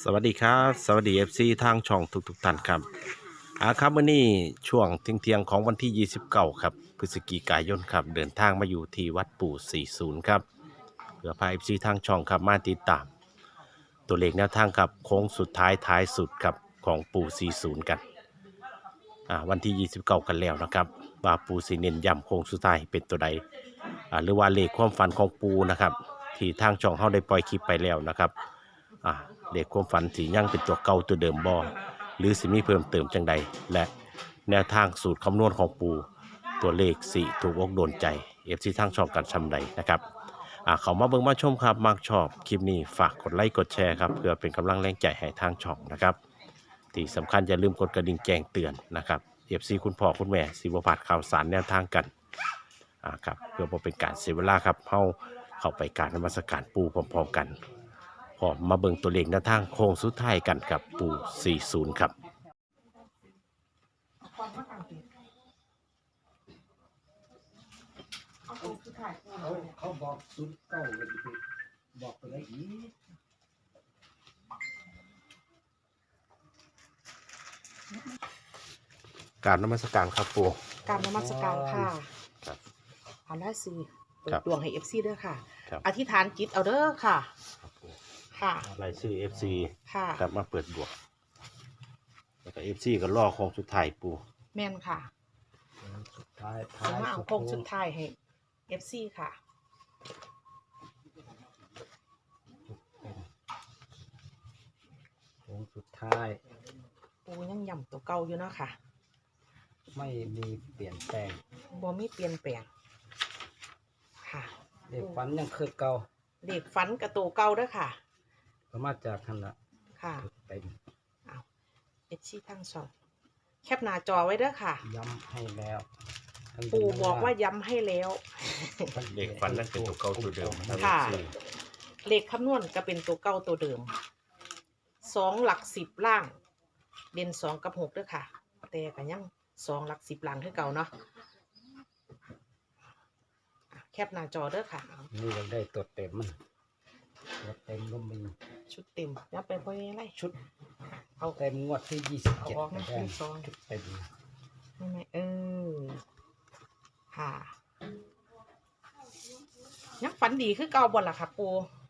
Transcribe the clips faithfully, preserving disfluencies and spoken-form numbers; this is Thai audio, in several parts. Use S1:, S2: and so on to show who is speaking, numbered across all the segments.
S1: สวัสดีครับสวัสดี เอฟ ซี ทางช่องทุกๆท่านครับอาครับวันนี้ช่วงเที่ยงๆของวันที่ยี่สิบเก้าครับพฤศจิกายนครับเดินทางมาอยู่ที่วัดปู่สี่สิบครับเพื่อพา เอฟ ซี ทางช่องครับมาติดตามตัวเลขแนวทางครับโค้งสุดท้ายท้ายสุดครับของปู่สี่สิบกันอ่าวันที่ยี่สิบเก้ากันแล้วนะครับว่าปู่สีเน้นย้ำโค้งสุดท้ายเป็นตัวใดอ่าหรือว่าเลขความฝันของปู่นะครับที่ทางช่องเขาได้ปล่อยคลิปไปแล้วนะครับ อ่าเด็กความฝันสียังเป็นตัวเก่าตัวเดิมบ่หรือสิมีเพิ่มเติมจังใดและแนวทางสูตรคำนวณของปูตัวเลขสี่ถูกอกโดนใจเอฟซีทางช่องกันชำใดนะครับอ่าเขามาเบิ่งมาชมครับมักชอบคลิปนี้ฝากกดไลค์กดแชร์ครับเพื่อเป็นกำลังแรงใจให้ทางช่องนะครับที่สำคัญอย่าลืมกดกระดิ่งแจ้งเตือนนะครับเอฟซีคุณพ่อคุณแม่สิบพลาดข่าวสารแนวทางกันอ่าครับเพื่อบ่เป็นการเสียเวลาครับเฮาเข้าไปการนมัสการปูพร้อมๆกัน พอมาเบิ่งตัวเลขหน้าทางโค้งสุดท้ายกันกับปู่สี่สิบครับ
S2: เขาเขาบอกศูนย์เก้าเลยไปบอกไปได้อีก
S1: การนมัสการครับปู่
S3: การนมัสการค่ะ
S1: ครับ
S3: ผ่านได้สิเปิ
S1: ครั
S3: ด
S1: บ
S3: ดวงให้เอฟซีด้วยค่ะ
S1: ครับ
S3: อธิษฐานจิตเอาเด้อค่ะ
S1: ครับปู่
S3: ค่ะ
S1: รายชื่อ เอฟ ซี
S3: ค่ะ
S1: ครับมาเปิดบวกแล้วก็ เอฟ ซี ก็ล่อโค้งสุดท้ายปู่
S3: แม่นค่ะ
S2: สุดท้าย
S3: สมมาเอาโค้งสุดท้ายให้เอฟซีค่ะ
S2: โค้งสุดท้าย
S3: ปูยังย่ำตัวเก่าอยู่เนาะค่ะ
S2: ไม่มีเปลี่ยนแปลง
S3: บ่มีเปลี่ยนแปลงค่ะ
S2: เด็กฝันยังคือเก่า
S3: เด็กฝันกับตัวเก่าเด้อค่ะ
S2: ก็มาจากขนาด
S3: ค่ะ
S2: เต็ม
S3: เอาเอฟซีทั้งสองแคปหน้าจอไว้เด้อค่ะ
S2: ย้ำให้แล้วทั้ง
S3: ปูบอกว่าย้ำให้แล้ว
S1: เลขฝันนั่นเป็นตัวเก่าตัวเดิมนะครับ
S3: ค่ะ
S1: เอฟ ซี
S3: เลขคำนวณก็เป็นตัวเก่าตัวเดิมสองหลักสิบล่าง เด่นสองกับหกด้วยค่ะ แต่ก็ยังสองหลักสิบล่างคือเก่าเนาะอ่ะแคปหน้าจอเด้อค่ะเอา
S2: นี่เราได้ตัวเต็มมันตัวเต็มก็มี
S3: ชุดเต็มยับไปพอยังไง
S2: ชุด
S3: เอา
S2: เต็มงวดที่ยี่สิบ
S3: เอา
S2: เจ็ด
S3: ออกมา
S2: ได้
S3: ที่ซอง
S2: ชุดเต็ม
S3: ไม่ไม่เออค่ะยังฝันดีคือเก่าบ่ล่ะค่ะปู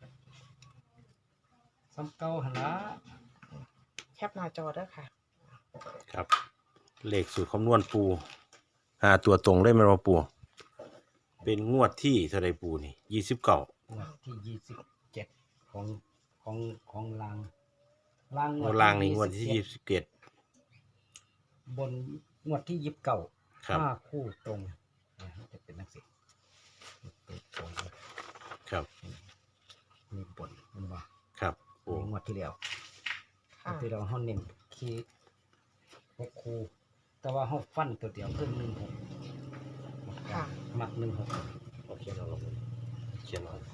S2: ซ้ำเก่าหนละ
S3: แคปหน้าจอเด้อค่ะ
S1: ครับเลขสูตรคำนวณปูหาตัวตรงได้ไหมว่าปู่เป็นงวดที่เท่าไรปู่นี่ยี่สิบเก้าง
S2: วดที่ยี่สิบเจ็ดของของของลางลาง
S1: งวดล่างนี่งวดที่ยี่สิบเจ็ด
S2: บนงวดที่ยิบเก่า
S1: ครับ
S2: ห้าคู่ตรงนะจะเป็นนักศิษย์ตรงเลย
S1: ครับ
S2: มีบนมันว่า
S1: ครับปู่
S2: มีงวดที่แล้วง
S3: ค่ะ
S2: วดที่เราห้องเน้นคีหกคู่แต่ว่าห้องฟันตัวเดียวขึ้นหนึ่งหก
S3: ค่ะ
S2: มักหนึ่งหก
S1: โอเคเราลงเขียนเอา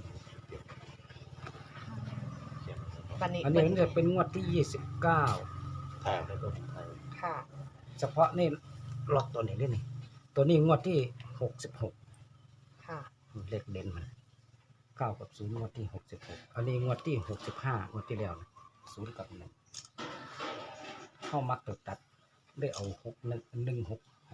S1: เขียนเอา
S3: บันนี้
S2: อันนี้มันจะเป็นงวดที่ยี่สิบเก้า
S1: ถ่ายแล้วก็ถ่าย
S3: ค่ะ
S2: เฉพาะนี่ล็อกตัวนี้ด้วยนี่ตัวนี้งวดที่หกสิบหก
S3: ค่ะ
S2: เลขเด่นมันเก้ากับศูนย์งวดที่หกสิบหกอันนี้งวดที่หกสิบห้างวดที่แล้วนะศูนย์กับหนึ่งเข้ามักตัวตัดได้เอาหกหนึ่งหนึ่งหกให้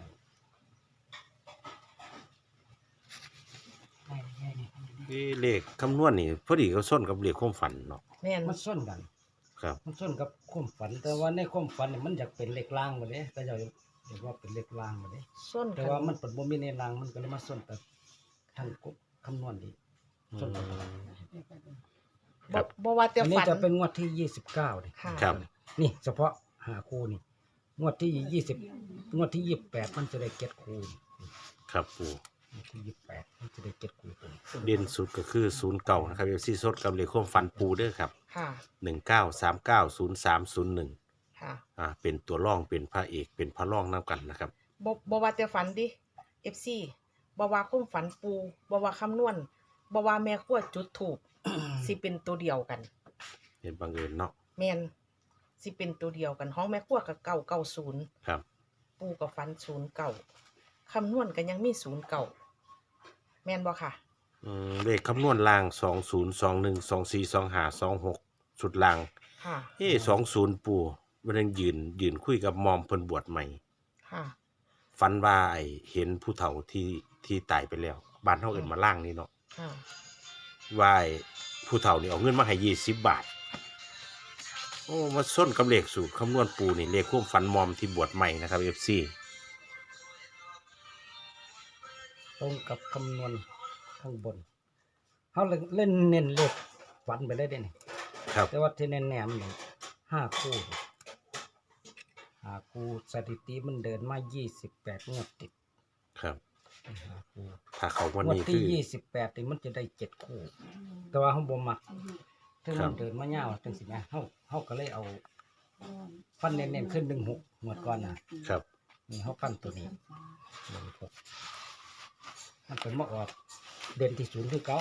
S2: ได้ได้ได้ได้
S1: นี่เลขคำนวณนี่พอดีก็ส้นกับเลขความฝันเนาะ
S3: แม่น
S2: มันส้นกัน
S1: ครับ
S2: มันส้นกับความฝัน แต่ว่าในความฝันเนี่ยมันอยากเป็นเลขล่างมาเลยก็จะเรียกว่าเป็นเลขล่างมาเลย
S3: ส้น
S2: แต่
S3: กัน
S2: ว่ามันเป็นบ่มีในล่างมันก็เลยมาส้นแต่ทางกุคำนวณดีส้นกัน
S1: ครับ
S3: บ่ว่าแต่
S2: อันนี้
S3: ฝัน
S2: จะเป็นงวดที่ยี่สิบเก้าเลย
S3: ค่ะ
S1: ครับ
S2: นี่เฉพาะหาคู่นี่งวดที่ยี่สิบงวดที่ยี่สิบแปดมันจะได้เก็ดคู่
S1: ครับปู่
S2: งวดที่ยี่สิบแปดมันจะได้เก็ดคู่ตัวนี้
S1: เด่นสุดก็คือศูนย์เก่านะครับเอฟซีสดกับเลขความฝันปูเด้อครับ
S3: ค่ะ
S1: หนึ่งเก้าสามเก้าศูนย์สามศูนย์หนึ่ง
S3: ค่ะ
S1: อ่าเป็นตัวร่องเป็นพระเอกเป็นพระร่องนำกันนะครับ
S3: บ่บ่ว่าแต่ฝันดิ เอฟ ซี บ่ว่าคุ้มฝันปูบ่ว่าคำนวณบ่ว่าแม่ขั้วจุดถูก สิเป็นตัวเดียวกัน
S1: เห็นบังเอิญเนาะ
S3: แม่นสิเป็นตัวเดียวกันห้องแม่ขั้วกับเก้าเก้าศูนย์
S1: ครับ
S3: ปูกับฝันศูนย์เก้าคำนวณก็ยังมีศูนย์เก้าแม่นบ่ค่ะ
S1: อืมเลขคำนวณล่างสองศูนย์สองหนึ่งสองสี่สองห้าสองหกชุดล่าง
S3: คค่ะ
S1: เอ้สองศูนย์ปูวันนั้นยืนยืนคุยกับมอมเพิ่นบวชใหม่
S3: ค่ะ
S1: ฝันว่าไอ้เห็นผู้เฒ่าที่ที่ตายไปแล้วบ้านเฮาเอิ้นมาล่างนี่เนาะ
S3: ค่ะ
S1: ว่าไอ้ผู้เฒ่านี่เอาเงินมาให้ยี่สิบบาทโอ้มาส้นกับเลขสูตรคำนวณปูนี่เลขความฝันมอมที่บวชใหม่นะครับ เอฟ ซี
S2: ตรงกับคำนวณข้างบนเขาเล่นเน้นเลขฝันไปเลยเด้นี่
S1: ครับ
S2: แต่ว่าที่แน่ๆมันนี่ห้าคู่ห้าคู่สถิติมันเดินมายี่สิบแปดงวดติด
S1: ครับ
S2: ห้าคู่
S1: ถ้าเขาวัน
S2: งวด
S1: นี้คื
S2: ที่
S1: อ
S2: ยี่สิบแปดนี่มันจะได้เจ็ดคู่ แต่ว่าเขาบ่มักถึง
S1: ครั
S2: มั
S1: บ
S2: นเดินมาเงาวจังสิแม่เขาเขาก็เลยเอาฟันเน้นๆขึ้นหนึ่งหกงวดก่อนนะครับ นี่เขาฟันตัวนี้หนึ่งหกมันเป็นมาออกเด่นที่ศูนย์คือเก่า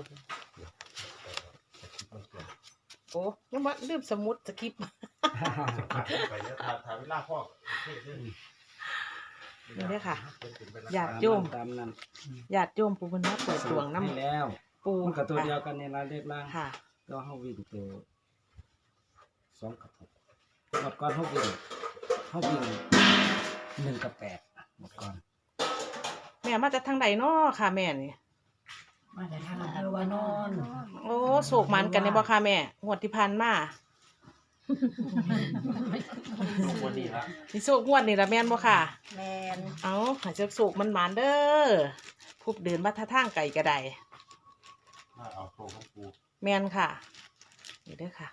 S3: โอ้ยังว่าลืมสมุดสคริปต์
S1: ไปเนี่ยถ่ายถ่ายเวลาพ่อ
S3: นี่เด้อค่ะ ญาติโยม
S2: ตามนั้น
S3: ญาติโยมผู้เพิ่นมาเปิดดวง
S2: ให้
S3: น้ำ
S2: แล้ว
S3: ปู
S2: มันกับตัวเดียวกันในรายเลขล่าง
S3: ค่ะ
S2: ก็เขาวิ่งตัวสองกับหกหมดก่อนเขาวิ่งเขาวิ่งหนึ่งกับแปดหมดก่อน
S3: แม่มาจากทางใดน้อค่ะแม่นี่
S4: มาแต่ทางอำเภอวานอน
S3: โอ้โศกมันกันในบ่ค่ะแม่งวดที่ผ่านมา
S1: วันนี้ละ
S3: นี่โศกงวดนี่ละแม่นบ่ค่ะ
S4: แมน
S3: เอาหาเจ้าโศกมันหมานเด้อผู้เดินมาท่าทางไก่ก็ได้
S1: เอาโซ่ของปู
S3: แม่นค่ะนี่เด้อค่ะ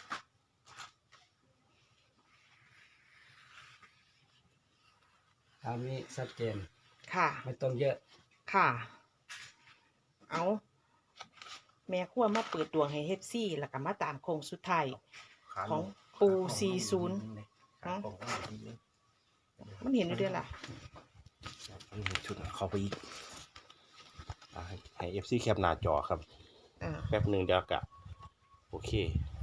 S2: ตามนี้ชัดเจน
S3: ค่ะ
S2: ไม่ต้องเยอะ
S3: ค่ะ เอาแม่ขั้วมาเปิดดวงให้เฮฟซี่แล้วก็มาตามโค้งสุดท้ายของปูสี่ศูนย์มันเห็นอยู่ด้วยล่ะ
S1: ชุดเข้าไปอีกอ่าให้ให้เอฟซีแคปหน้าจอครับ
S3: อ่า
S1: แป๊บหนึ่งเดี๋ยวกะโอเค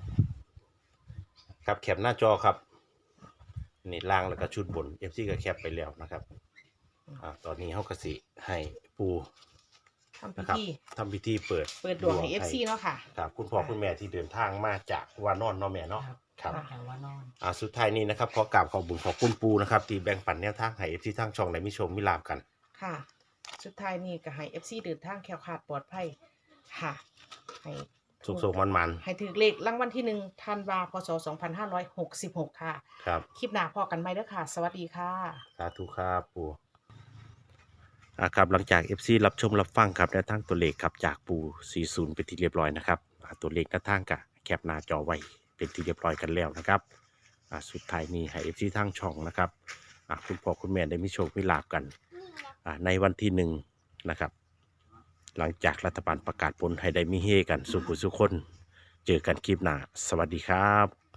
S1: ครับแคปหน้าจอครับนี่ล่างแล้วก็ชุดบน เอฟ ซี ก็แคปไปแล้วนะครับอ่าตอนนี้เฮากสิให้ปู
S3: ทำพิ
S1: นะครับ
S3: ธี
S1: ทำพิธีเปิด
S3: เปิดดวงให้เอฟซีเนาะค่ะ
S1: ครับคุณพ่อคุณแม่ที่เดินทางมาจากวานอนเนาะแม่เนาะครับ
S4: ทางวานอน
S1: อ่าสุดท้ายนี้นะครับขอกราบขอบคุญขอบคุณปูนะครับที่แบ่งปันแนวทางให้ เอฟ ซี ทางช่องได้มีโชมมีลาบกัน
S3: ค่ะ สุดท้ายนี่ก็ให้เอฟซีเดินทางแคล้วคลาดปลอดภัยค่ะ ให้
S1: สุกๆมัน
S3: ให้ถือเลขรางวัลที่หนึ่งธันวาพศสองพันห้าร้อยหกสิบหกค่ะ
S1: ๆครับ
S3: คลิปหน้าพอกันไหมเด้อค่ะ สวัสดีค่ะ
S1: สาธุครับปูอ่าครับหลังจาก เอฟ ซี รับชมรับฟังครับแนวทางตัวเลขครับจากปูสี่สิบเป็นที่เรียบร้อยนะครับอ่าตัวเลขหน้าทางกะแคปหน้าจอไว้เป็นที่เรียบร้อยกันแล้วนะครับอ่าสุดท้ายนี้ให้ เอฟ ซี ทางช่องนะครับอ่าคุณพ่อคุณแม่ได้มีโชคมีลาบกันอ่าในวันที่หนึ่งนะครับหลังจากรัฐบาลประกาศผลให้ได้มีเฮกันสุขุสุขคนเจอกันคลิปหน้าสวัสดีครับ